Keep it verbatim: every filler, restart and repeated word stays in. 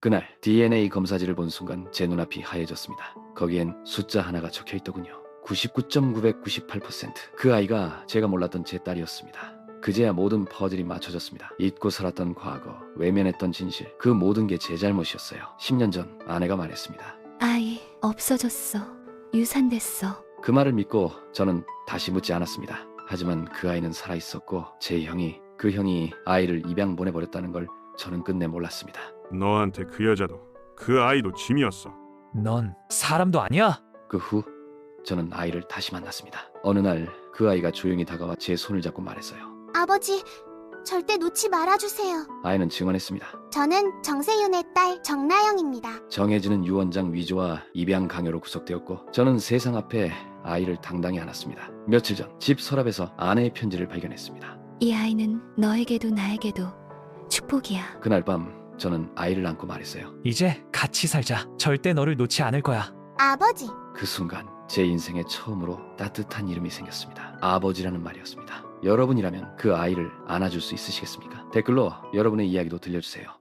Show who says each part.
Speaker 1: 그날 디엔에이 검사지를 본 순간 제 눈앞이 하얘졌습니다. 거기엔 숫자 하나가 적혀 있더군요. 구십구 점 구백구십팔 퍼센트. 그 아이가 제가 몰랐던 제 딸이었습니다. 그제야 모든 퍼즐이 맞춰졌습니다. 잊고 살았던 과거, 외면했던 진실, 그 모든 게 제 잘못이었어요. 십 년 전 아내가 말했습니다.
Speaker 2: 아이 없어졌어. 유산됐어.
Speaker 1: 그 말을 믿고 저는 다시 묻지 않았습니다. 하지만 그 아이는 살아있었고 제 형이, 그 형이 아이를 입양 보내버렸다는 걸 저는 끝내 몰랐습니다.
Speaker 3: 너한테 그 여자도 그 아이도 짐이었어.
Speaker 4: 넌 사람도 아니야?
Speaker 1: 그 후 저는 아이를 다시 만났습니다. 어느 날 그 아이가 조용히 다가와 제 손을 잡고 말했어요.
Speaker 5: 아버지, 절대 놓지 말아주세요.
Speaker 1: 아이는 증언했습니다.
Speaker 5: 저는 정세윤의 딸 정나영입니다.
Speaker 1: 정해지는 유언장 위조와 입양 강요로 구속되었고 저는 세상 앞에 아이를 당당히 안았습니다. 며칠 전 집 서랍에서 아내의 편지를 발견했습니다.
Speaker 2: 이 아이는 너에게도 나에게도 축복이야.
Speaker 1: 그날 밤 저는 아이를 안고 말했어요.
Speaker 4: 이제 같이 살자. 절대 너를 놓지 않을 거야.
Speaker 5: 아버지,
Speaker 1: 그 순간 제 인생에 처음으로 따뜻한 이름이 생겼습니다. 아버지라는 말이었습니다. 여러분이라면 그 아이를 안아줄 수 있으시겠습니까? 댓글로 여러분의 이야기도 들려주세요.